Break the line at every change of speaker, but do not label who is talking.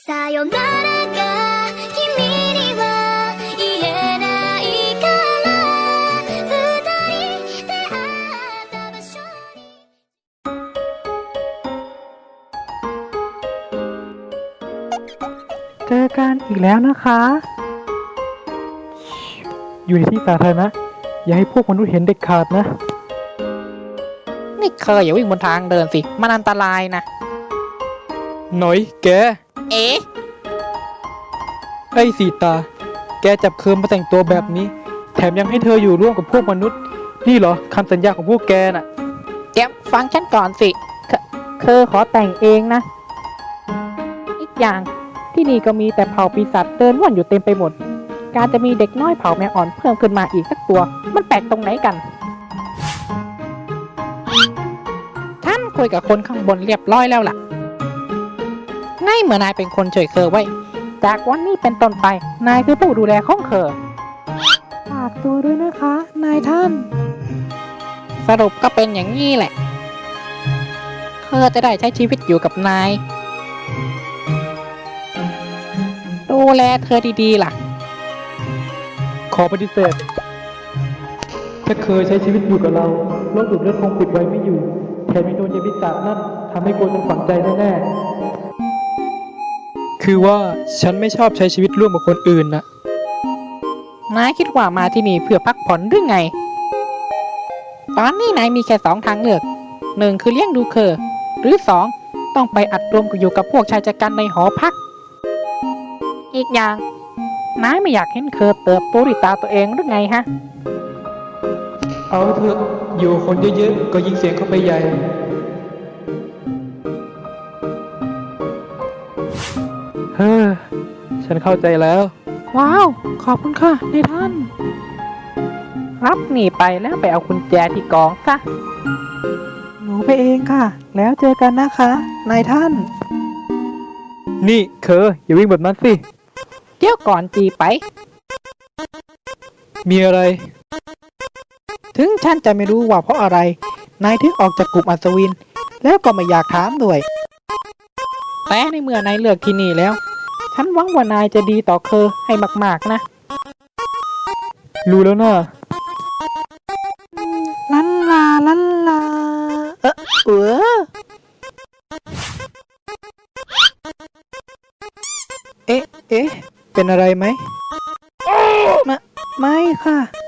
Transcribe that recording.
さよならが君には言えないから二人出会った場所に
เจอกันอีกแล้วนะคะ อยู่ในที่สาธารณะอย่าให้พวกมนุษย์เห็นเด็ดขาดนะ
นี่เคยอย่าวิ่งบนทางเดินสิมันอันตรายนะ
หน่อยแก
เอ๊ะ
ไอ้สีตา แกจับเคิร์มมาแต่งตัวแบบนี้ แถมยังให้เธออยู่ร่วมกับพวกมนุษย์ นี่เหรอคำสัญญาของพวกแกน่ะ
เดี๋ยวฟังฉันก่อนสิเคยขอแต่งเองนะ อีกอย่างที่นี่ก็มีแต่เผ่าปีศาจเดินว่อนอยู่เต็มไปหมด การจะมีเด็กน้อยเผ่าแมวอ่อนเพิ่มขึ้นมาอีกสักตัว มันแปลกตรงไหนกันท่านคุยกับคนข้างบนเรียบร้อยแล้วล่ะนายเมื่อนายเป็นคนช่วยเคอไว้ จากวันนี้เป็นต้นไป นายคือผู้ดูแลของเคอฝากตัวด้วยนะคะ นายท่าน สรุปก็เป็นอย่างนี้แหละเคอจะได้ใช้ชีวิตอยู่กับนาย ดูแลเธอดีๆล่ะ
ขอปฏิเสธ ถ้าเคยใช้ชีวิตอยู่กับเราโรคดูดเลือดคงปิดไว้ไม่อยู่ แถมยังโดนยาพิษนั่นทำให้กลัวจนฝังใจแน่ๆ คือว่าฉันไม่ชอบใช้ชีวิตร่วมกับคนอื่นนะ
นายคิดว่ามาที่นี่เพื่อพักผ่อนหรือไง ตอนนี้นายมีแค่2 ทางเลือก 1 คือเลี้ยงดูเคอหรือ 2 ต้องไปอัดรวมอยู่กับพวกชายจัดการในหอพัก อีกอย่าง นายไม่อยากเห็นเคอเติบโตด้วยตาตัวเองหรือไงฮะ
เอาเถอะอยู่คนเยอะๆก็ยิ่งเสียงเข้าไปใหญ่ เฮ้อ ฉันเข้าใจแล้ว
ว้าว ขอบคุณค่ะนายท่าน รับหนีไปแล้วไปเอากุญแจที่กองซะ
หนูไปเองค่ะ แล้วเจอกันนะคะนายท่าน นี่เคออย่าวิ่งแบบนั้นสิ
เดี๋ยวก่อนจีไป
มีอะไร
ถึงฉันจะไม่รู้ว่าเพราะอะไร นายถึงออกจากกลุ่มอัศวิน แล้วก็ไม่อยากถามด้วย แต่ในเมื่อนายเลือกที่นี่แล้ว ฉันหวังว่านายจะดีต่อเคอให้มากๆนะ
รู้แล้วนะ
ลันลาลันลา เออ
เอ๊ะ เป็นอะไรไหมไม่ค่ะ